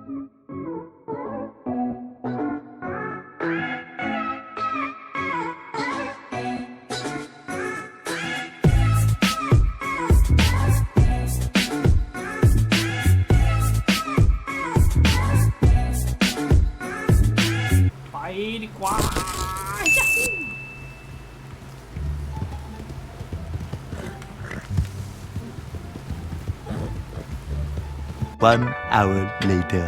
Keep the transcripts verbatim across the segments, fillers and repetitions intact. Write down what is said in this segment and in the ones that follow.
ไปดีกว่า One hour later.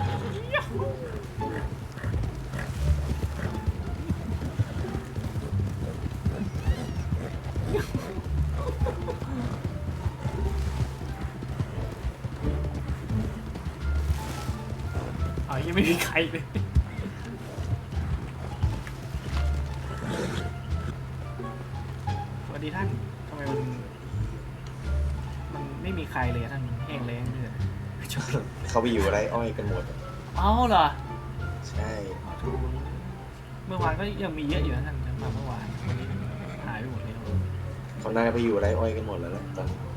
อ๋อยังไม่มีใครเลยสวัสดีท่านทำไมมันมันไม่มีใครเลยท่านแห้งแล้งเลยจบเขาไปอยู่ไรอ้อยกันหมดเอ้าเหรอใช่เมื่อวานก็ยังมีเยอะอยู่นะท่านมาเมื่อวานวันนี้หายไปหมดแล้วเขาน่าไปอยู่ไรอ้อยกันหมดแล้วนะตอนนี้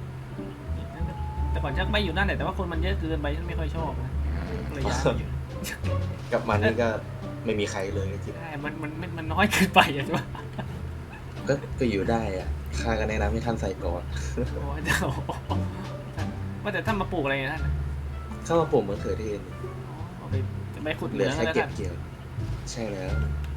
แต่ก่อนชักไม่อยู่นั่นแหละแต่ว่าคนมันเยอะเกินไปฉันไม่ค่อยชอบนะเลยย้ายมาอยู่กับมันนี่ก็ไม่มีใครเลยจริงใช่มันมันมันมันน้อยเกินไปอ่ะใช่ปะก็ก็อยู่ได้อ่ะข้าก็แนะนำให้ท่านใส่ก่อนโอ้ยเจ้าว่าแต่ท่านมาปลูกอะไรเนี่ยท่านเข้ามาปลูกมะเขือเทศเอาไปจะไปขุดเหเหลืลือองแค่แล้วเก็บท่านเกี่ยว ใช่แล้ว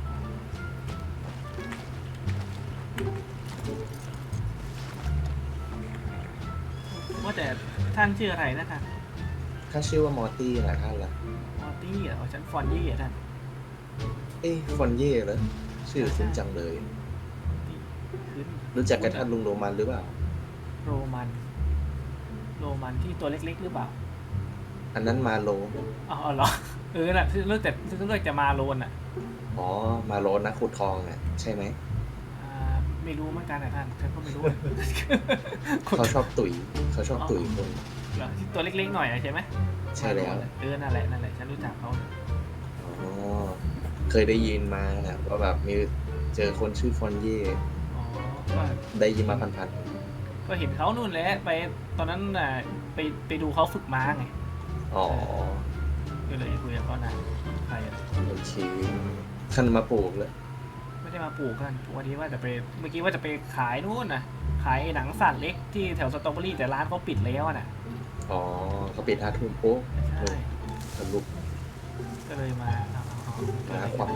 ว่าแต่ท่านชื่ออะไรนะท่านข้าชื่อว่ามอร์ตี้นะท่านล่ะมอร์ตี้เหรอฉันฟอนยี่เหรอท่านเอ้ยฟอนเย่เหรอชื่อคุ้นจังเลยขึ้นรู้จักกับท่านลุงโรมันหรือเปล่าโรมันโรมันที่ตัวเล็กๆหรือเปล่าอันนั้นมาโลอ๋อเหรอเออน่ะเลือกแต่เลือกจะมาโลนอ่ะอ๋อมาโลนะขุดทองอ่ะใช่ไหมอ่าไม่รู้เหมือนกันนะท่านฉันก็ไม่รู้เขาชอบตุ๋ยเขาชอบตุ๋ยคนเหรอที่ตัวเล็กๆหน่อยอะใช่ไหมใช่แล้วเออนั่นแหละนั่นแหละฉันรู้จักเขาอ๋อเคยได้ยินมานะว่าแบบมีเจอคนชื่อฟอนเย่อ๋อก็ได้ยินมาพันก็เห็นเขานู่นแหละไปตอนนั้นน่ะไปไปดูเขาฝึกม้าไงๆอ๋อก็เลยคุยกับเขานานใครอะโอเคท่านมาปลูกเลยไม่ได้มาปลูกกันวันนี้ว่าจะไปเมื่อกี้ว่าจะไปขายนู่นนะขายหนังสัตว์เล็กที่แถวสตรอเบอรี่แต่ร้านเขาปิดแล้วอะน่ะอ๋อเขาปิดห้าทุ่มปุ๊บใช่ทะลุก็เลยมาเอาเอาเอานะความ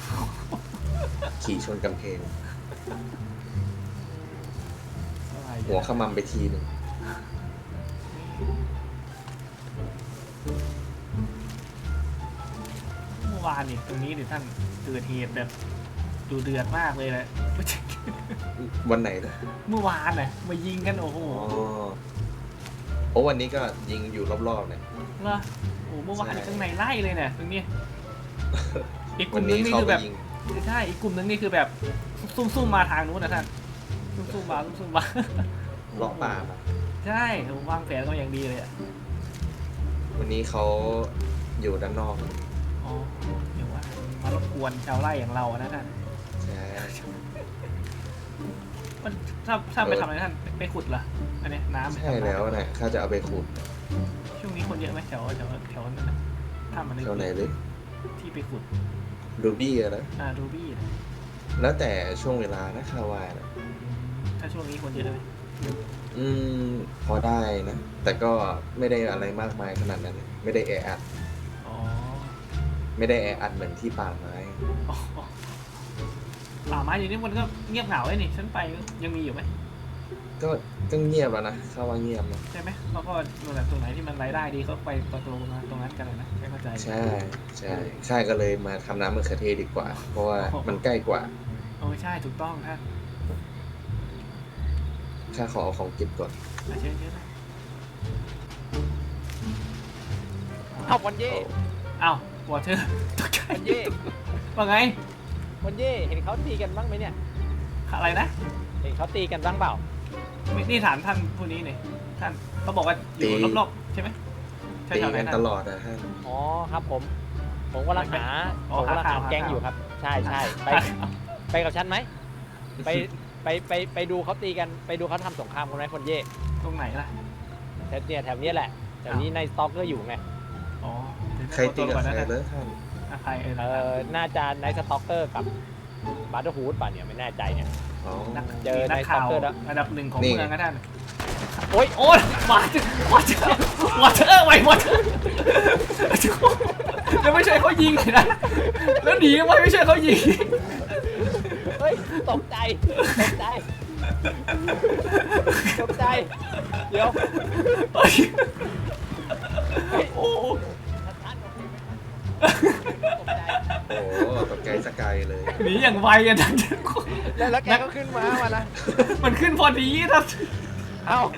ขี่ชนกำแพงหัวขมำไปทีหนึ่งเมื่อวานนี่ตรงนี้เดี๋ยวท่านเกิดเหตุแบบดูเดือดมากเลยแหละวันไหนนะเมื่อวานน่ะมายิงกันโอ้โหอ๋อโอ้วันนี้ก็ยิงอยู่รอบๆเนี่ยเหรอโอ้เมื่อวานใช่ข้างในไล่เลยเนี่ยตรงนี้อีกกวัลุ่นมนึนี้งนี่เขาคือไปแบบยิงใช่อีกกลุ่มนึงนี่คือแบบซุ่มๆมาทางนู้นนะท่านซุ่มๆมาซุ่มๆมาเลาะป่ามาใช่ผมวางแผนก็อย่างดีเลยอ่ะวันนี้เขาอยู่ด้านนอกอ๋อเดี๋ยวว่ามารบกวนชาวไร่อย่างเราอะนะท่านใช่มันถ้าถ้าไปทำอะไรท่านไปขุดเหรออันเนี้ยน้ำไปใช่ทำน้ำแล้วนะข้าจะเอาไปขุดช่วงนี้คนเยอะไหมแถวแถวแถวนั้นนะถ้ามันแถวไหนเลยที่ไปขุดรูบี้อะนะอ่ารูบี้นะแล้วแต่ช่วงเวลานะคาวานะถ้าช่วงนี้คนเยอะไหมอืมพอได้นะ แต่ก็ไม่ได้อะไรมากมายขนาดนั้น ไม่ได้แออัดอ๋อไม่ได้แออัดเหมือนที่ป่าไม้อ๋อป่าไม้อยู่นี่มันก็เงียบเหงาเลยนี่ฉันไปยังมีอยู่ไหมก็ก็เงียบแล้วนะข้าว่าเงียบนะใช่ไหมเขาก็ดูแบบตรงไหนที่มันรายได้ดีเขาไปตรงนั้นตรงนั้นกันเลยนะไม่เข้าใจใช่ใช่ข้าก็เลยมาทำน้ำมะเขือเทศดีกว่า เพราะว่ามันใกล้กว่าโอ้ใช่ถูกต้องท่านข้าขอเอาของเก็บก่อนอ่ะเชิญเชิญนะเอาวันเย่อ้าววอเตอร์ตกใจวันเย่ว่าไงวันเย่เห็นเขาตีกันบ้างไหมเนี่ยอะไรนะเห็นเขาตีกันบ้างเปล่าไม่นี่ถามท่านผู้นี้นี่ท่านเขาบอกว่าอยู่รอบๆใช่ไหมใช่ตีแถวไหนกันท่านตลอดนะฮะอ๋อครับผม ผมกำลังหาอ๋อผมกำลังหาหาข่าวแก๊งหาข่าวอยู่ครับ ใช่ใช่ไปไปกับฉันไหมไปไปไปไปดูเขาตีกันไปดูเขาทำสงครามกันไหมคนเย่ตรงไหนล่ะแถวเนี่ยแถวเนี้ยแหละแถวนี้ในสต็อกก็อยู่ไงอ๋อเดี๋ยวใครตีตัวกับก่อนใครนะเลยท่านอ่ะใครเออเออน่าจะไนท์สต็อกเกอร์กับบัตเตอร์ฮูดป่ะเนี่ยไม่แน่ใจเนี่ยอ๋อนักเจอนักข่าวใน Stalker แล้วอันดับหนึ่งของนี่เมืองก็ได้โอ๊ยโอ้ยมาถึงมาถึงมาเธอไว้มาเธอแล้วไม่ใช่เขายิงเลยนะแล้วหนีไว้ไม่ใช่เขายิงเฮ้ยตกใจตกใจตกใจเดี๋ยวเฮ้ยเฮ้ยโอ้ท่านโอเคไหมตกใจโอ้ตกใจสกายเลยหนีอย่างไวอ่ะนั่นแล้วแล้วแกก็ขึ้นมามานะมันขึ้นพอดีนะเอ้า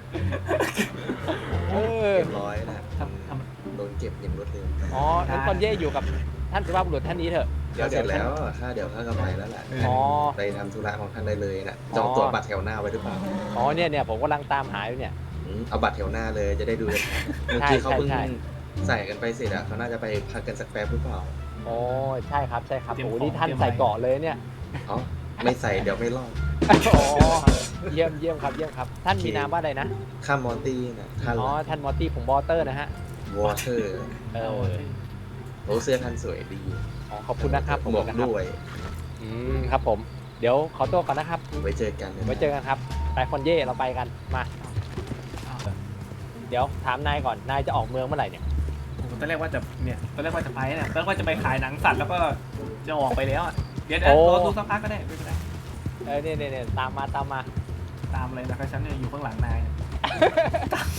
เออเรียบร้อยนะทำทำโดนเก็บอย่างรวดเร็วอ๋องั้นคนเย่อยู่กับท่านสุภาพบุรุษท่านนี้เถอะเดี๋ยวเสร็จแล้วข้าเดี๋ยวข้าก็ไปแล้วแหละอ๋อไปทำธุระของท่านได้เลยนะจองตั๋วบัตรแถวหน้าไว้หรือเปล่าอ๋อเนี่ยเนี่ยผมกำลังตามหาอยู่เนี่ยอืมเอาบัตรแถวหน้าเลยจะได้ดูเลยเมื่อใช่กี้เขาเพิ่งใช่ใส่กันไปเสร็จอะเขาน่าจะไปพักกันสักแป๊บหรือเปล่าโอ้ใช่ครับใช่ครับโอ้นี่ท่านใส่เกราะเลยเนี่ยอ๋อไม่ใส่เดี๋ยวไม่รอดอ๋อเยี่ยมเยี่ยมครับเยี่ยมครับ ท่านมีนามว่าอะไรนะข้ามมอร์ตี้นะท่านอ๋อท่านมอตตี้ผมบอเตอร์นะฮะวอเตอร์เอเอาอสิโอ้เสื้อท่านสวยดีอ๋อขอบคุณนะครับขอบหมคุวกณนะครับด้วยอืมครับผม เดี๋ยวขอตัวก่อนนะครับไว้เจอกันนะไว้เจอกันครับไปคอนเย่เราไปกันมาเอาเดี๋ยวถามนายก่อนนายจะออกเมืองเมื่อไหร่เนี่ยผมตอนแรกว่าจะเนี่ยตอนแรกว่าจะไปเนี่ยตอนแรกว่าจะไปขายหนังสัตว์แล้วก็จะออกไปแล้วอะเดี๋ยวเดี๋ยวรอดูสักพักก็ได้ไม่เป็นไรเออเนี่ยเนี่ยเนี่ยตามมาตามมาตามเลยนะครับฉันเนี่ยอยู่ข้างหลังนายเนี่ยตาม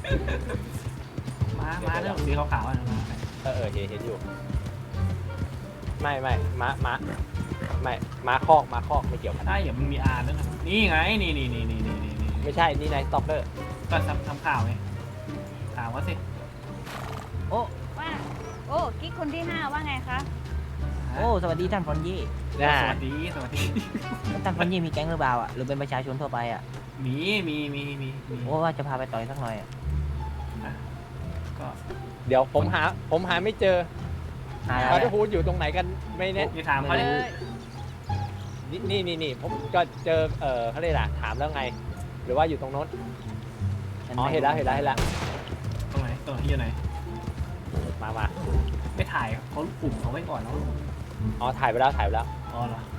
มามาเรื่องสีขาวๆอะมาเออเออเห็นเห็นอยู่ ไม่ไม่ม้าม้าไม่ม้าคอกม้าคอกไม่เกี่ยวกันใช่อย่ามันมีอ่านด้วยนะนี่ไงนี่นี่นี่นี่นี่นี่นี่ไม่ใช่นี่นายสต็อกเกอร์ก็ทำทำข่าวไงถามว่าสิโอ้ว่าโอ้กิ๊กคนที่ห้าว่าไงคะโอ้ สวัสดีท่านฟอนยี่นะสวัสดีสวัสดีแล้วท่านฟอนยี่มีแก๊งหรือเปล่าอ่ะ หรือเป็นประชาชนทั่วไปอ่ะมีมีมีมีมีโอ้ว่าจะพาไปต่อยสักหน่อยอ่ะก็เดี๋ยวผมหาผมหาไม่เจอหาอะไรบัตเตออะร์ฮูดอยู่ตรงไหนกันไม่แน่นี่ถามเขาเลดิยนี่นี่นี่นี่ผมก็เจอเออเขาเรียกอะไรถามแล้วไง หรือว่าอยู่ตรงโน้นฉัอ๋อไม่เห็นแล้วเห็นแล้วเห็นแล้วตรงไหนตรงที่อยู่ไหนมามาไม่ถ่ายเขากลุ่มเขาไว้ก่อนแล้วอ๋อถ่ายไปแล้วถ่ายไปแล้วอ๋อเหรอ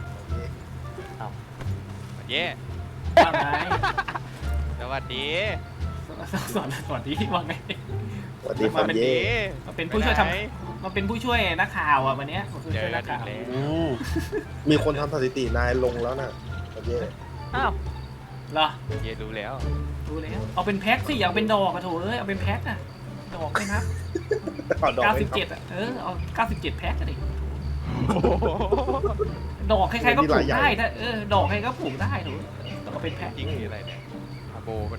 เย่ว่าไงสวัสดีสสอนสวัสดีว่าไงสวัสดีสวัสดีมาเป็นผู้ช่วยทำมาเป็นผู้ช่วยนักข่าวอ่ะวันเนี้ยมาเป็นเจผู้ช่อวยกันันกอีข่าก วแล้วอืมมีคนทำสถิตินายลงแล้วนะโอเคอ้าวเหรอเย่รู้แล้วดูแล้วเอาเป็นแพ็คสิอย่าเอาเป็นดอกอะโถเอ้ยเอาเป็นแพ็คอะดอกไม่นับเอาดอกเก้าให้สิบครับเจ็ดอะเออเอาเก้าสิบเจ็ดแพ็คก็ดิดอกใครๆก็ปลูกได้ถ้าเออดอกใครก็ปลูกได้ถูกต้องเอาเป็นแพ็คจริงหรืออะไรเนี่ยอาโบมัน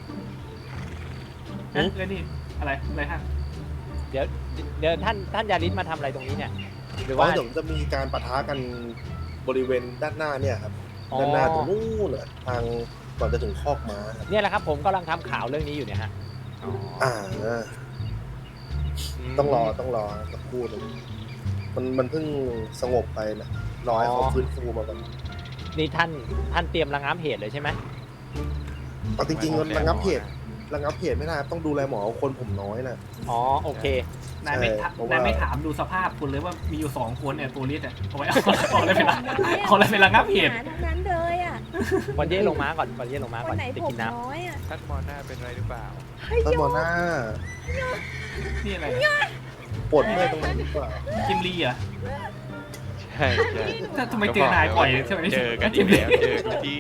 นะเลยนี่อะไรอะไรฮะเดี๋ยวเดี๋ยวท่านท่านยาริสมาทำอะไรตรงนี้เนี่ย หรือว่าว่าเดี๋ยวจะมีการปะทะกันบริเวณด้านหน้าเนี่ยครับอ๋อด้านหน้าตรงนู้นน่ะทางก่อนจะถึงคอกม้าครับเนี่ยแหละครับผมกำลังทำข่าวเรื่องนี้อยู่เนี่ยฮะอ๋ออ่ามต้องรอต้องรอสักครู่หนึงมันมันเพิ่งสงบไปนะรอให้เขาฟื้นฟูมาก่อนนี่ท่านท่านเตรียมระงับเหตุเลยใช่ไหมเอาจริงๆมันระงับเหตุระงับเหตุไม่ได้ครับต้องดูแลหมอคนผมน้อยนะอ๋อโอเคนายไม่ถามเพราะว่านายไม่ถามดูสภาพคุณเลยว่ามีอยู่สองคนเนี่ยตัวลิสอะเอาไว้เอาเอาอะไรเป็นเอาอะไรเป็นระงับเหตุหาทั้งนั้นเลยอ่ะวันเย่ลงม้าก่อนวันเย่ลงม้าคก่อนนไหนจะผมกินน้น้อยอ่ะท่านมอหน้าเป็นไรหรือเปล่าท่านหมอหน้านี่อะไรปวดเมื่อยตรงไหนหรือเปล่าจิมลีเหรอะใช่ใช่ถ้าทำไมเจอนายบ่อยใช่ไหมเจอกันอีกแล้วเจอกันที่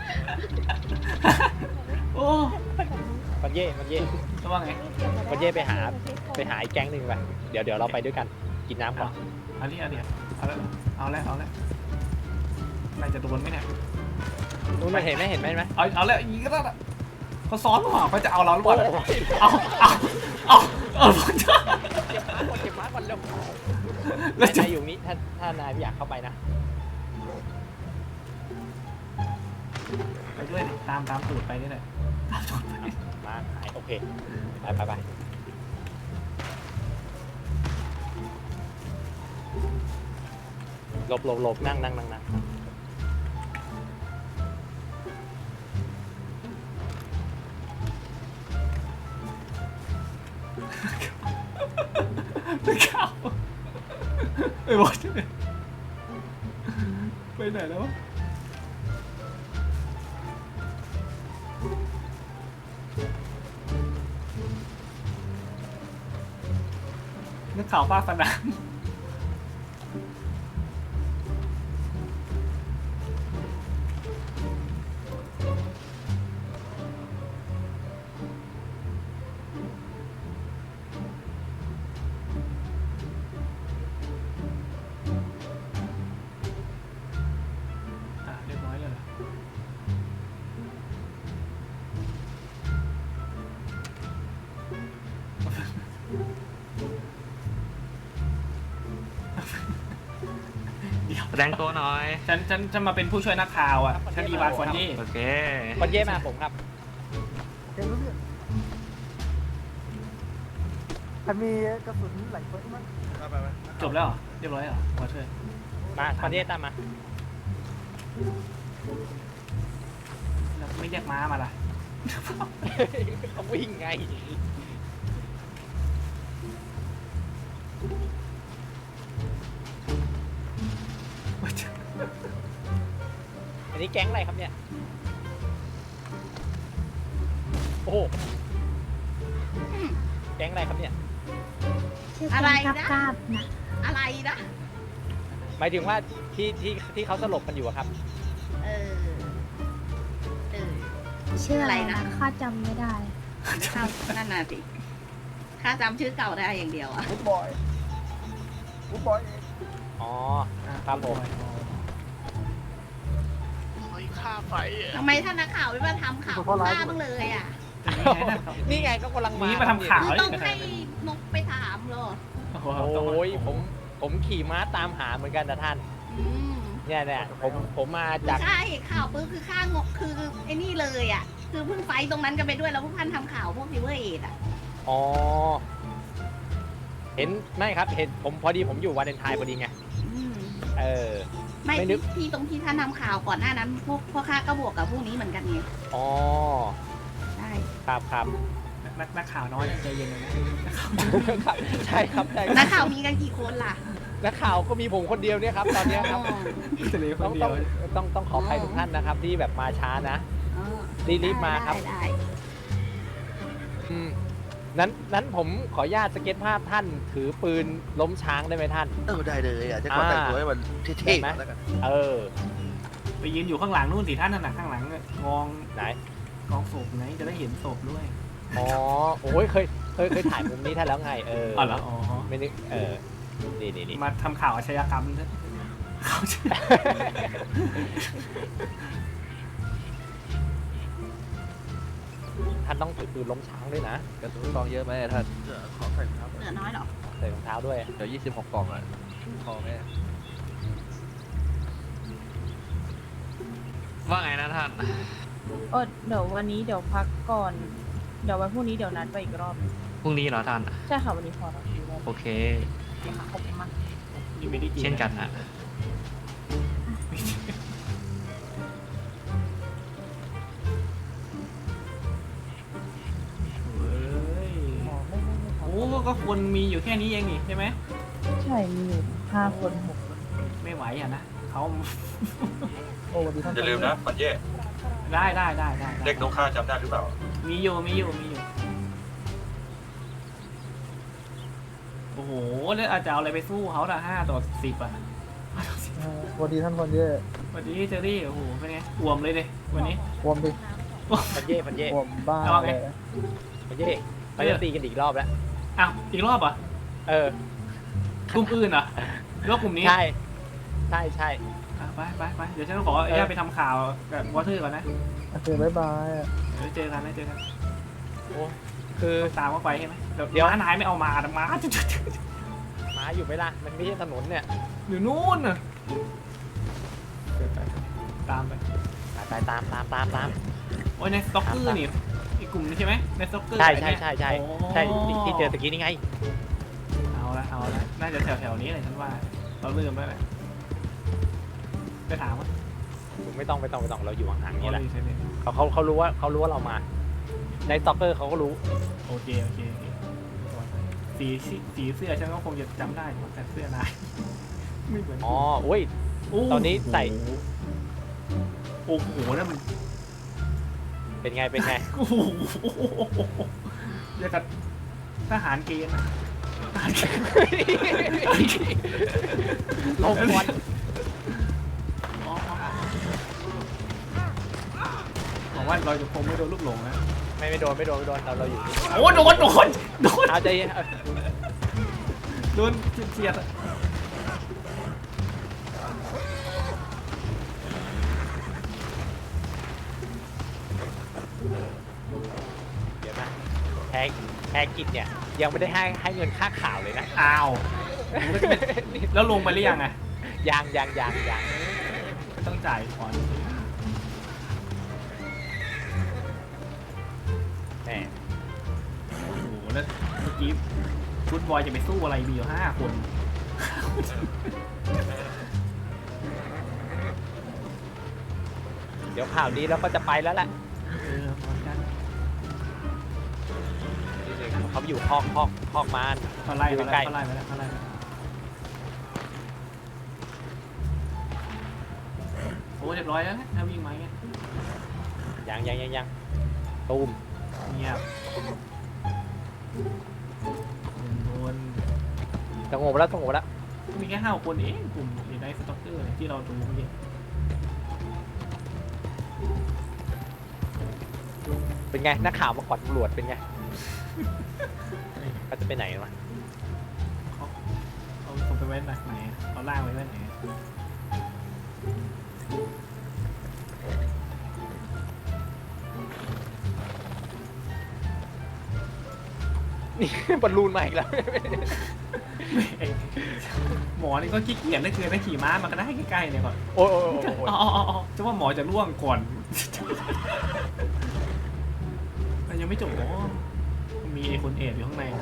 โอ้ำวันเย่วันเย่จะว่าไงวันเย่ไปหาไปหาอีกแก๊งหนึ่งไปเดี๋ยวเดี๋ยวเราไปด้วยกันกินน้ำก่อนเอาดิเอาดิเอาแล้วเอาแล้วเอาแล้วนายจะโดนไหมเนี่ยนู้นเห็นไหมเห็นไหมเห็นไหมเอาเอาแล้วอีกก็ได้เขาซ้อนหรือเปล่าเขาจะเอาเราหรือเปล่าเอาเอาเอาเอาเก็บม้าก่อนเก็บม้าก่อนเร็วแล้วจะนายอยู่นี้ถ้าถ้านายไม่อยากเข้าไปนะไปด้วยดิตามตามตูดไปนี่แหละตามตูดไปมาหายโอเคไปไปไปหลบหลบหลบนั่งนั่งนั่งนั่งเข้าไอ้บอสไปไหนแล้ววะนึกข่าวภาคสนามอ่ะเรียบร้อยเลยเหรอเดี๋ยวแสดงตัวหน่อยฉันฉันจะมาเป็นผู้ช่วยนักข่าวอ่ะฉันอีวานฟอนนี่โอเคคนเย่มาผมครับมีกระสุนไหลเฟิร์สมั้งจบแล้วเหรอเรียบร้อยเหรอมาช่วยมาคนเย่ตามมาแล้วไม่เรียกม้ามาล่ะเขาวิ่งไง อันนี้แก๊งอะไรครับเนี่ย โอ้โหแก๊งอะไรครับเนี่ยอะไรนะอะไรนะหมายถึงว่าที่ที่ที่เขาสลบกันอยู่อะครับเออเออชื่ออะไรอะไรนะนะข้าจำไม่ได้ข้านั่นน่ะสิข้าจำชื่อเก่าได้อย่างเดียวอะฟุตบอยฟุตบอยเองอ๋อ ครับผมทำไมท่านนักข่าวไม่มาทำข่าวข้าบ้างเลยอ่ะนี่ไงก็กำลังมานี่มาทำข่าวคือเลยต้องให้นกไปถามเหรอโอ้โหโอ้ยผมผมขี่ม้าตามหาเหมือนกันนะท่านอืมเนี่ยเนี่ยผมผมมาคือจากข้าเห็นข่าวปุ๊บคือข้างกคือไอ้นี่เลยอ่ะ คือเพิ่งไฟต์ตรงนั้นกันไปด้วยแล้วพวกท่านทำข่าวพวกซิเวอร์เอดอ่ะอ๋อ เห็นไม่ครับ เห็นผมพอดีผมอยู่วาเลนไทน์พอดีไงอืมเออไม่ไม่นึกที่ตรงที่ท่านทำข่าวก่อนหน้านั้น พวกพวกข้าก็บวกกับพวกนี้เหมือนกันไงอ๋อใช่ครับครับนักนักข่าวน้อยใจเย็นเลยนะครับใช่ครับใช่นักข่าวมีกันกี่คนล่ะนักข่าวก็มีผมคนเดียวเนี่ยครับ ตอนเนี้ยครับอ๋อทะเลคต้อน งเดีต้ยอวงต้องต้องขออภัยทุกท่านนะครับ ที่แบบมาช้านะอ๋อรีบๆมาครับได้ได้อืมนั้นนั้นผมขออนุญาตสเก็ตภาพท่านถือปืนล้มช้างได้ไหมท่านเออได้เลยอ่ะจะขอแต่งตัวให้มันเท่ๆหน่อยแล้วกันเออไปยืนอยู่ข้างหลังนู่นสิท่านนั่นน่ะข้างหลังกองไหนกองศพไงจะได้เห็นศพด้วยอ๋อ โอ้ยเคยเคยเคยถ่ายมุมนี้ท่านแล้วไง เอออ๋อเหรออ๋อไม่นึกเออ นี่นี่นี่มาทำข่าวอาชญากรรมนะเขาจะท่านต้องถือปืนล้มช้างด้วยนะกระสุนกองเยอะไหมท่านขอใส่รองเท้าเหลือน้อยเหรอใส่รองเท้าด้วยเดี๋ยวยี่สิบหกกล่องอ่ะพอไหมว่าไงนะท่านเออเดี๋ยววันนี้เดี๋ยวพักก่อน เดี๋ยววันพรุ่งนี้เดี๋ยวนัดไปอีกรอบพรุ่งนี้เหรอท่านใช่ค่ะวันนี้พอแล้วอีกรอบโอเคค่ะขอบคุณมากนี่ไม่ได้กินเช่นกันนะเฮ้ยอ๋อไม่ไม่ไม่ครับโอ้ก็คนมีอยู่แค่นี้เองนี่ใช่ไหมใช่มีอยู่ห้าคนหกคนไม่ไหวอ่ะนะเขาโอ้วันนี้ท่านอย่าลืมนะปันเย่ได้ได้ได้ได้เด็กนกข้าจำได้หรือเปล่ามีอยู่มีอยู่มีอยู่โอ้โหแล้วอาจจะเอาอะไรไปสู้เขาละห้าต่อสิบอ่ะเออวันนี้ท่านคนเย่วันนี้เจอรี่โอ้โหเป็นไงอ่วมเลยเลยวันนี้วมดิพันเย่พันเย่วมบ้าเอาไงเลยพันเย่ไปจะตีกันอีกรอบแล้วอ้าวอีกรอบอ่ะเออกลุ่มอื่นเหรอหรือว่ากลุ่มนี้ใช่ ใช่ใช่อ่ะไปไปไปเดี๋ยวฉันขออนุญาตไปทำข่าวกับวอเตอร์ก่อนนะโอเคบ๊ายบายอะเดี๋ยวเจอกันนะเจอกันโอ้คือตามเข้าไปใช่ไหมเดี๋ยวเดี๋ยวร้านนายไม่เอามาแต่มาม้าอยู่ไหมล่ะ มันไม่ใช่ถนนเนี่ยอยู่นู่นน่ะเดี๋ยวไปตามไปไปตามตามตามตามโอ้ยในสต็อกเกอร์นี่อีกกลุ่มนึงใช่ไหมในสต็อกเกอร์ใช่ใช่ใช่ใช่โอ้ใช่ที่เจอตะกี้นี่ไงเอาละเอาละน่าจะแถวแถวๆนี้เลยฉันว่าเราลืมแล้วแหละไปถามว่าไม่ต้องไม่ต้องไม่ต้องเราอยู่ห่างๆนี่แหละใช่ไหมเขาเขาเขารู้ว่าเขารู้ว่าเรามา ในสต็อกเกอร์เขาก็รู้โอเคโอเคโอเคสีสีเสื้อฉันก็คงจะจำได้แต่เสื้อนายไม่เหมือนอ๋ออุ้ยโอ้ตอนนี้ใส่โอ้โหนั่นมันเป็นไงเป็นไงโอ้โหเรียกกับทหารเกณฑ์อะทหารเกณฑ์ลงควันอ๋อหวังว่าเราจะคงไม่โดนลูกหลงนะไม่ไม่โดนไม่โดนไม่โดนเราเราอยู่โอ้โดนโดนโดนเอาใจเย็นเอาโดนเฉียดๆอะเดี๋ยวนะแฮกแฮกกิจเนี่ยยังไม่ได้ให้ให้เงินค่าข่าวเลยนะอ้าวมันก็จะเป็นแล้วลงไปหรือยังอะยังยังยังยังก็ต้องจ่ายก่อนแหมโอ้โหแล้วเมื่อกี้ฟุตบอลจะไปสู้อะไรมีอยู่ห้าคนเดี๋ยวข่าวนี้เราก็จะไปแล้วแหละเออเหมือนกันเขาไปอยู่คอกคอกคอกมานเขาไล่อยู่มาใกแล้ล้วเขาไล่มาแล้วเขาไล่มาแล้วโอ้เรียบร้อยแล้วนะถ้าวิ่งมาเงี้ยยังยังยังยังตูมเงียบโดนสงบแล้วสงบแล้วมีแค่ห้าคนเองกลุ่มเอไดสต็อกเกอร์ที่เราดูเมื่อกี้เป็นไงนักข่าวมาก่อนตำรวจเป็นไงเขาจะไปไหนวะเอาผมไปไว้ไหนไหนเอาล่างไว้ไว้ไหนนี่ บอลลูนมาอีกแล้วหมอนี่ก็ขี้เกียจได้คือได้ขี่ม้ามาก็ได้ใกล้ๆเนี่ยก่อนโอ้ยโอ้ยโอ้ยโอ้ยอ๋ออ๋ออ๋อจะว่าหมอจะล่วงก่อน มันยังไม่จบอ๋อมีไอ้คนเอดอยู่ข้างในนะ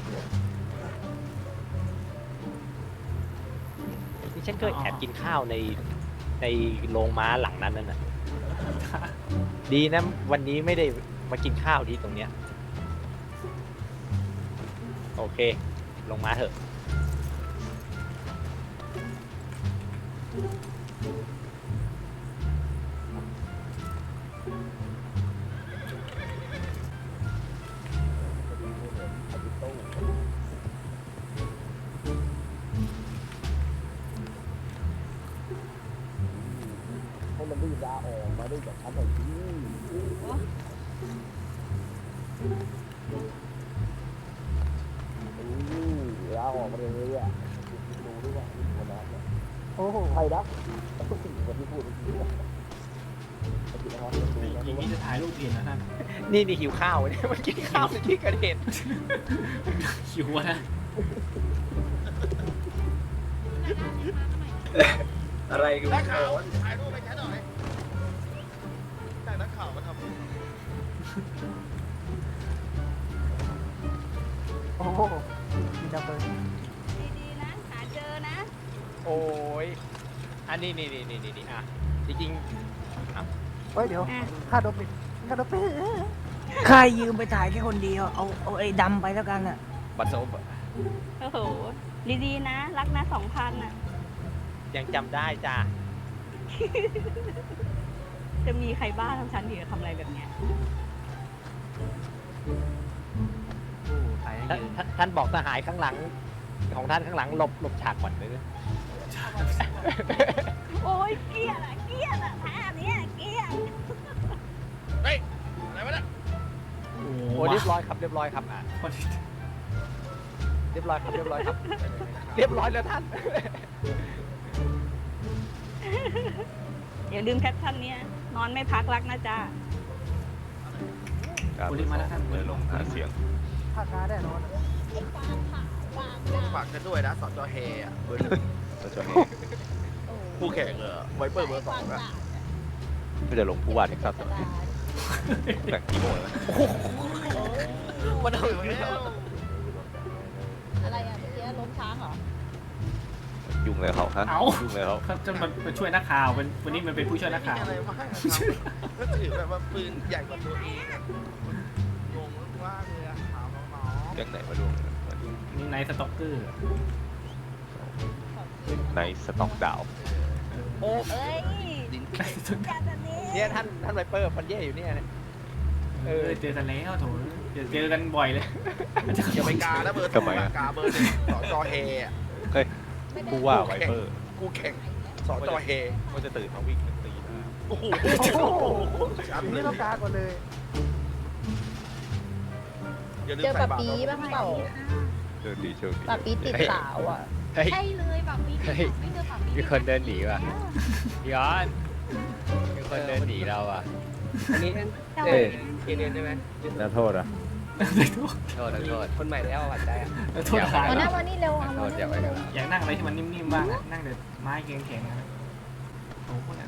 นี่ฉันเคยแอบกินข้าวในในโรงม้าหลังนั้นนั่นน่ะดีนะวันนี้ไม่ได้มากินข้าวที่ตรงเนี้ยโอเคลงมาเถอะให้มันดื้อยาออกมาได้จากชั้นไหนที่ยาออกมาเลยอ่ะดูด้วยว่าคนนั้นโอ้โหใครนะทุกสิ่งวันที่พูดเมื่อกี้อย่างนี้จะถ่ายรูปเองนะท่านนี่นี่หิวข้าวเนี่ยมากินข้าวในที่เกิดเหตุหิวนะอะไรดูนักข่าวถ่ายรูปไปแค่หน่อยแต่นักข่าวมาทำโอ้โหมีดับเบิลดีๆนะ หาเจอนะโอ้ยอันนี้นี่นี่นี่นี่นี่อ่ะจริงเฮ้ยเดี๋ยวอ่ะค่าโดปิดค่าโดปิดใครยืมไปถ่ายแค่คนเดียว เอาเอาไอ้ดำไปแล้วกันอ่ะๆบัตรโซบโอ้โห ดีๆนะ รักนะสองพันอ่ะยังจำได้จ้าจะมีใครบ้าทำฉันถึงจะทำอะไรแบบเนี้ยถ่ายให้ท่านยืนท่านท่านบอกสหายข้างหลัง ของท่านข้างหลังหลบหลบฉากก่อนเลยนะโอ้ยเกลียดอ่ะ เกลียดอ่ะท่าเนี้ยเกลียดอะไรวะเนี่ยโอ้โอ้เรียบร้อยครับเรียบร้อยครับอ่ะเรียบร้อยครับเรียบร้อยครับ เรียบร้อยแล้วท่านอย่าลืมแคปชั่นเนี้ยนอนไม่พักรักนะจ๊ะโอ้รีบมาแล้วท่านเลยลงหาเสียงค่าค้าแน่นอนฝากกันด้วยนะสจเฮอ่ะเบอร์หนึ่งก็จะให้ผู้แข่งเออไวเปอร์เบอร์สองอ่ะก็จะลงผู้ว่าเท็กซัสแต่กี่โมงแล้วมันเอาอยู่แล้วอะไรอ่ะเมื่อกี้ล้มช้างเหรอยุ่งเลยเขาฮะเอายุ่งเลยเขาเขาจะมามาช่วยนักข่าวเป็นวันนี้มันเป็นผู้ช่วยนักข่าวอะไรมาให้ก็ถือแบบว่าปืนใหญ่กว่าตัวเองงงมากเลยอะถามน้องเรื่องไหนมาดูมาดูๆนี่ไนท์สต็อกเกอร์ในสต็อกดาวโอ้เอ้ยเนี่ยท่านท่านไวเปอร์ฟันเย่อยู่เนี่ยเออเจอกันแล้วโถเดี๋ยวเจอกันบ่อยเลยอย่าไปกาแล้วเบอร์สองกาเบอร์หนึ่งสอจอเฮอะเฮ้ยผู้ว่าไวเปอร์กูแข่งสอจอเฮว่าจะตื่นมาวิ่งตีหน้าโอ้โหนี่ต้องการก่อนเลยอย่าลืมเจอใส่ปะบาตรปีบ้างเปล่าเชิญดีเชิญดีปะปีติดสาวอ่ะใช่เลยแบบมีไม่เจอแบบมีคนเดินหนีว่ะย้อนมีคนเดินหนีเราอ่ะอันนี้เอ้ยเดือนใช่ไหมแล้วโทษอ่ะโทษโทษคนใหม่แล้วอ่ะใจอ่ะโทษทางเอาหน้ามานี่เร็วเอาโทมาษอย่าไปกันอยากนั่งอะไรที่มันนิ่มๆบ้างอะนั่งแต่ไม้แข็งๆนะโอ้โหเนี่ย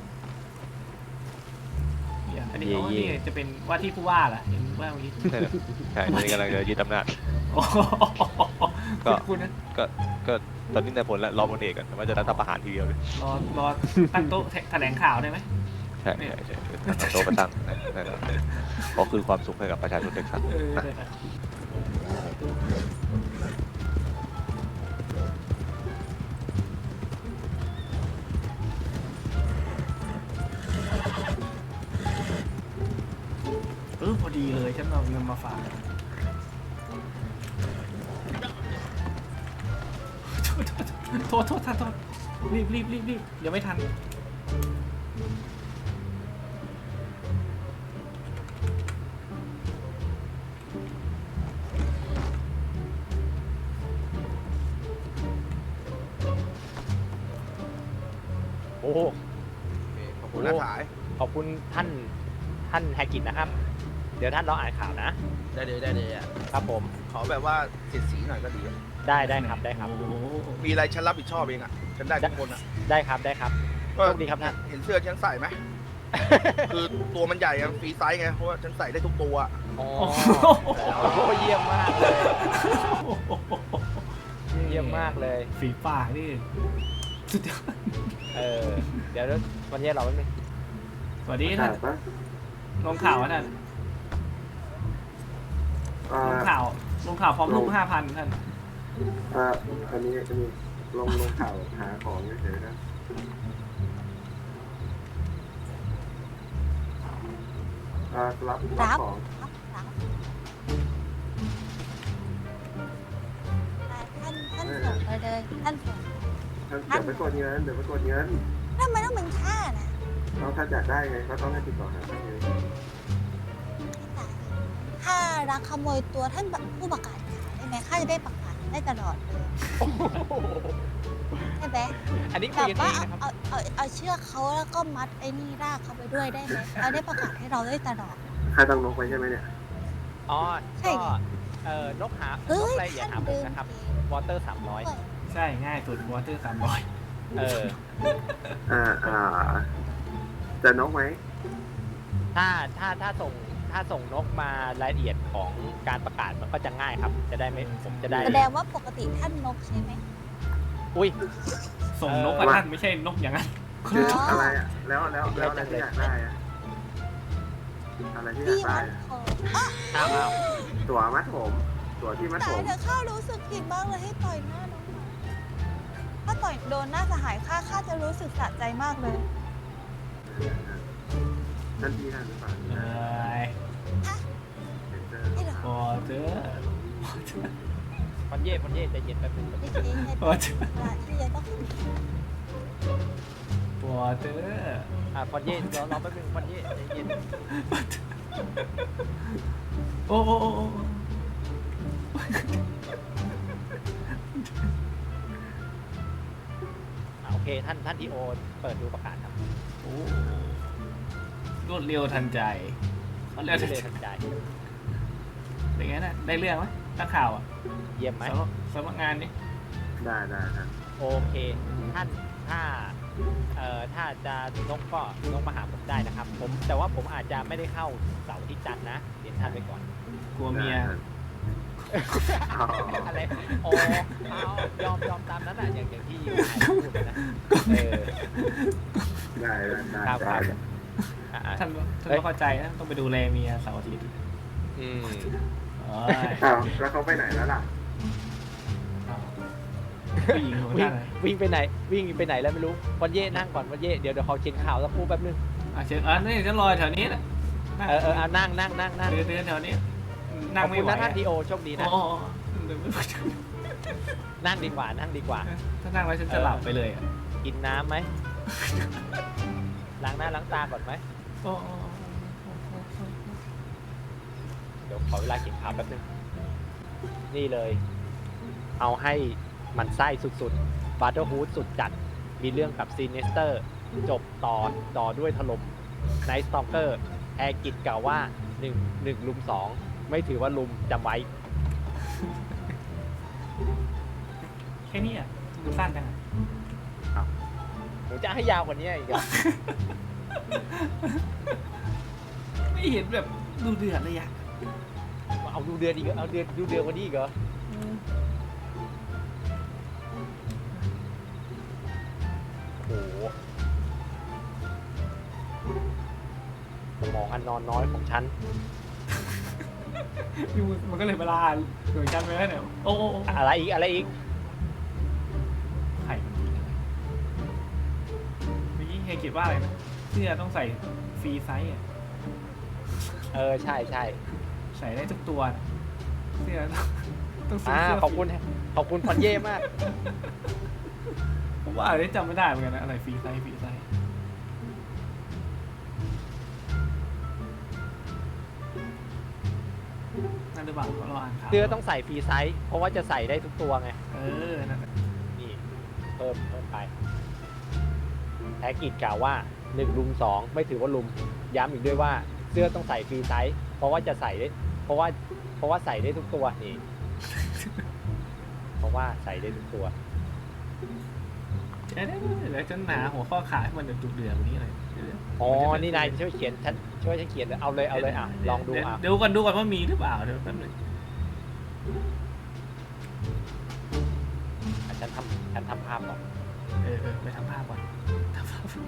เนี่ยอันนี้เขาเนี่ยจะเป็นว่าที่ผู้ว่าเหรอเห็นว่าเมื่อกี้ใช่ตอนนี้กำลังจะยึดอำนาจโอ้โหก็คุณนะก็ก็ตอนนี้ในผลแล้วรอพลเอกกันว่าจะรัฐประหารทีเดียวเลยรอรอตั้งโต๊ะแถลงข่าวได้ไหมใช่ใช่ใช่ทำโต๊ะประตั้งนั่นแหละก็คือความสุขให้กับประชาชนเท็กซัสเออได้นะเออพอดีเลยฉันเอาเงินมาฝากโทษโทษโทษท่านโทษรีบรีบรีบรีบเดี๋ยวไม่ทันโอ้ขอบคุณนะสายขอบคุณท่านท่านแฮกิตนะครับ เดี๋ยวท่านรออ่านข่าวนะได้เลยได้เลยอ่ะครับผมขอแบบว่าเสียดสีหน่อยก็ดีอะได้ได้ครับได้ครับโอ้โหมีอะไรฉันรับผิดชอบเองอ่ะ ฉันได้ทุกคนอ่ะได้ครับได้ครับก็โชคดีครับท่านเห็นเสื้อฉันใส่ไหม คือตัวมันใหญ่อะฟรีไซส์ไง เพราะว่าฉันใส่ได้ทุกตัวอะอ๋อโอ้โหเยี่ยมมากเลย เยี่ยมมากเลยฝีปากนี่สุดยอดเออ เดี๋ยววันนี้เราไม่มีสวัสดีท่านลงข่าวอะท่านลงข่าวลงข่าวพร้อมลูกห้าพันท่านอ่าอันนี้อันนี้ลงลงข่าวหาของเฉยๆนะอ่ารับรับของท่านท่านส่งไปเลยท่านส่งเดี๋ยวไปกดเงินเดี๋ยวไปกดเงินทำไมต้องเป็นข้าน่ะเราถ้าอยากได้ไงก็ต้องให้ติดต่อหาท่านเองข้ารักขโมยตัวท่านผู้ประกาศข่าวได้ไหมข้าจะได้ประกาศได้ตลอดเลยใช่ไหมอันนี้แบคุยบกันเอว่างนะครับเอาเอาเอาเชือกเขาแล้วก็มัดไอ้นี่รากเขาไปด้วยได้ไหมเราได้ประกาศให้เราได้ตลอดใครต้องนกไว้ใช่ไหมเนี่ยอ๋อใช่ก็เอ่อนกหานเฮ้กยอะไรอย่าหาผมนะครับ วอเตอร์สามร้อยใช่ง่ายสุดวอเตอร์สามร้อยเอออ่าอ่าจะนกไหมถ้าถ้าถ้าส่งถ้าส่งนกมารายละเอียดของการประกาศมันก็จะง่ายครับ จะได้ไม่ผมจะได้แสดงว่าปกติท่านนกใช่ไหมอุ้ยส่งนกกับท่านไม่ใช่นกอย่างนั้นคืออะไรอ่ะแล้วแล้วแล้วอะไรที่อยากได้อ่ะอะไรที่อยากพี่ได้มัดอะคออ้าวอ้าวตั๋วมัดผมตั๋วที่มัดตาผยมเถอะข้ารู้สึกผิดมากเลยให้ต่อยหน้าน้องหมาถ้าต่อยโดนหน้าสหายข้าข้าจะรู้สึกสะใจมากเลยท่านพี่ท่านหรือเปล่าเอ้ยนี่เหรอวอเตอร์ฟันเย่ฟันเย่ใจเย็นแป๊บนึงไม่ใช่ให้วอเตอร์เวลาที่จะต้องวอเตอร์อ่าฟันเย่รอรอแป๊บนึงฟันเย่ใจเย็นโอ้โอ้โอ้โอ้อ่าโอเคท่านท่านทีโอเปิดดูประกาศครับโอ้รวดเร็วทันใจเขาเรียกเลยทันใจเป็นไงน่ะได้เรื่องไหมนักข่าวอ่ะเยี่ยมไหมสำนักสำนักงานนี่ได้ได้ครับโอเค ท่านถ้าเอ่อถ้าจะนกก็นกมาหาผมได้นะครับ ผมแต่ว่าผมอาจจะไม่ได้เข้าเสาร์อาที่จันทร์นะเรียนท่านไปก่อนกลัวเมียอ๋ออะไรอ๋อเอายอมยอมตามนั้นอ่ะอย่างอย่างที่นายพูดนะเออได้ได้ได้ครับคได้รับอ่ะอ่ะท่านท่านต้องเข้าใจนะต้องไปดูแลเมียเสาร์อาทิตย์อืมโอ้ยอ้าวแล้วเขาไปไหนแล้วล่ะเผู้หญิงของวิ่งท่านอะวิ่งไปไหนวิ่งไปไหนแล้วไม่รู้วันเย่นั่งก่อนวันเย่เดี๋ยวเดี๋ยวเขาเช็นข่าวสักครู่แป๊บนึงอ่ะเชิญอ่ะนี่ฉันรอแถวนี้แหละเออเออเอานั่งนั่งนั่งนั่งเดินเดินแถวนี้ขนั่งอบไม่คุณไหวนะท่านทีโอโชคดีนะอ๋อเดินไม่ไหวนั่งดีกว่านั่งดีกว่าถ้านั่งแล้วฉันจะหลับไปเลยอ่ะกินน้ำไหม ล้างหน้าล้างตาก่อนไหมอ๋อเดี๋ยวขอเวลากินข้าวแป๊บนึง นี่เลย เอาให้มันไส้สุดๆ บัตเตอร์ฮูดสุดจัด มีเรื่องกับซีเนสเตอร์ จบต่อต่อด้วยถล่มไนท์สตอกเกอร์แอร์กิจกล่าวว่าหนึ่ง หนึ่งลุมสองไม่ถือว่าลุมจำไว้แค่นี้อ่ะมันสั้นจังอ่ะผมจะให้ยาวกว่านี้อีกเหรอไม่เห็นแบบดูเดือดเลยอ่ะเอาดูเดือนอีกเหรอเอาเดือนดูเดือนกว่านี้อีกเหรอโอ้โหสมองอันนอนน้อยของฉันมันก็เลยเวลาโดยชันไปแล้วเนี่ยโอ้โอ้อะไรอีกอะไรอีกไข่เมื่อกี้เฮยคิดว่าอะไรนะเสื้อต้องใส่ฟรีไซส์อ่ะเออใช่ใช่ใส่ได้ทุกตัวนะเสื้อต้องซื้ออ่าเสื้อขอบคุณขอบคุณพันเย่มากผมว่าอะไรจำไม่ได้เหมือนกันนะอะไรฟรีไซส์ฟรีไซส์นั่นหรือเปล่าเราอ่านข่าวเสื้อต้องใส่ฟรีไซส์เพราะว่าจะใส่ได้ทุกตัวไงเออนั่นแหละนี่เพิ่มเพิ่มไปแท็กกิจกล่าวว่าหนึ่งลุมสองไม่ถือว่าลุมย้ำอีกด้วยว่าเสื้อต้องใส่ฟรีไซส์เพราะว่าจะใส่ได้เพราะว่าเพราะว่าใส่ได้ทุกตัวนี่ เพราะว่าใส่ได้ทุกตัวเดี๋ยวเดี๋ยวฉันหาหัวข้อข่าวให้มันดุเดือดกว่านี้เลยอ๋อนี่นายช่วยเขียนฉันช่วยฉันเขียนเอาเลยเอาเลยอ่ะลองดูอ่ะเดี๋ยวก่อนดูก่อนว่ามีหรือเปล่าเดี๋ยวแป๊บนึงอ่ะฉันทำฉันทำภาพก่อนเออเออไปทำภาพก่อนทำภาพ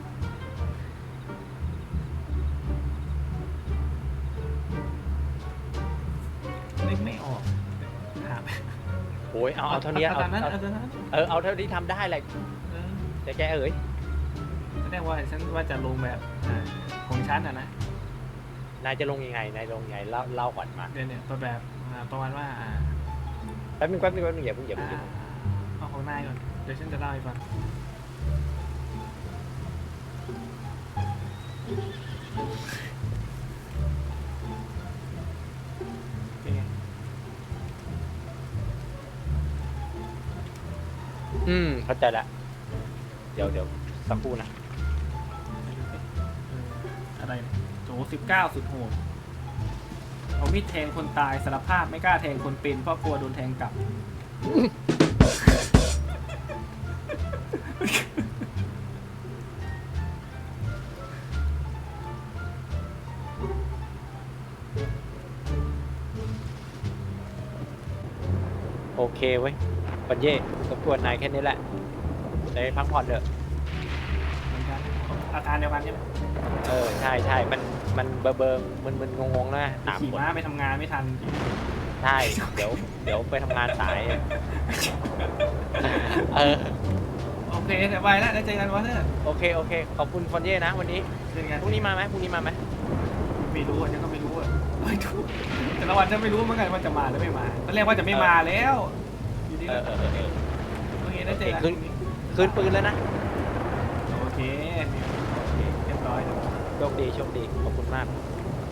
นึกไม่ออกหาไปโอ้ยเอาเอาเท่านี้เอาเอาตามนั้นเอาเอาตามนั้นเออเอาเท่าที่ทำได้เลยเออแต่แกเอ๋ยแสดงว่าฉันว่าจะลงแบบอ่าของฉันอ่ะนะนายจะลงยังไงนายลงยังไงเล่าเล่าก่อนมาเดี๋ยวเนี่ยตัวแบบอ่าประมาณว่าอ่าแป๊บนึงแป๊บนึงแป๊บนึงอย่าเพิ่งอย่าเพิ่งอย่าอ่าเพิ่งเอาของนายก่อนเดี๋ยวฉันจะเล่าให้ฟังเป็นไงอืมเข้าใจละเดี๋ยวเดี๋ยวสักครู่นะเอออะไรเนี่ยโจสิบเก้าสุดโหดเอามีดแทงคนตายสารภาพไม่กล้าแทงคนเป็นเพราะกลัวโดนแทงกลับโอเคเว้ยปัญเย่รบกวนนายแค่นี้แหละได้พักผ่อนเถอะเหมือนกันอาการเดียวกันใช่ไหมเออใช่ใช่มันมันเบอร์เบอร์มึนมึนงงงๆนะสามขี่คนม้าไปทำงานไม่ทันใช่เดี๋ยวเดี๋ยวไปทำงานสายเออโอเคเดี๋ยวไปแล้วได้เจอกันวอเตอร์โอเคโอเคขอบคุณฟอนเย่นะวันนี้เจอกันพรุ่งนี้มาไหมพรุ่งนี้มาไหมไม่รู้อ่ะฉันก็ไม่รู้อ่ะไม่รู้แต่ละวันฉันไม่รู้เหมือนกันว่าจะมาหรือไม่มาตอนแรกว่าจะไม่มาแล้วอยู่ดีเอก็อเออเออเออโอเคได้เจอกันขึ้น คืนปืนแล้วนะโอเคโอเคเรียบร้อยโชคดีโชคดีขอบคุณมาก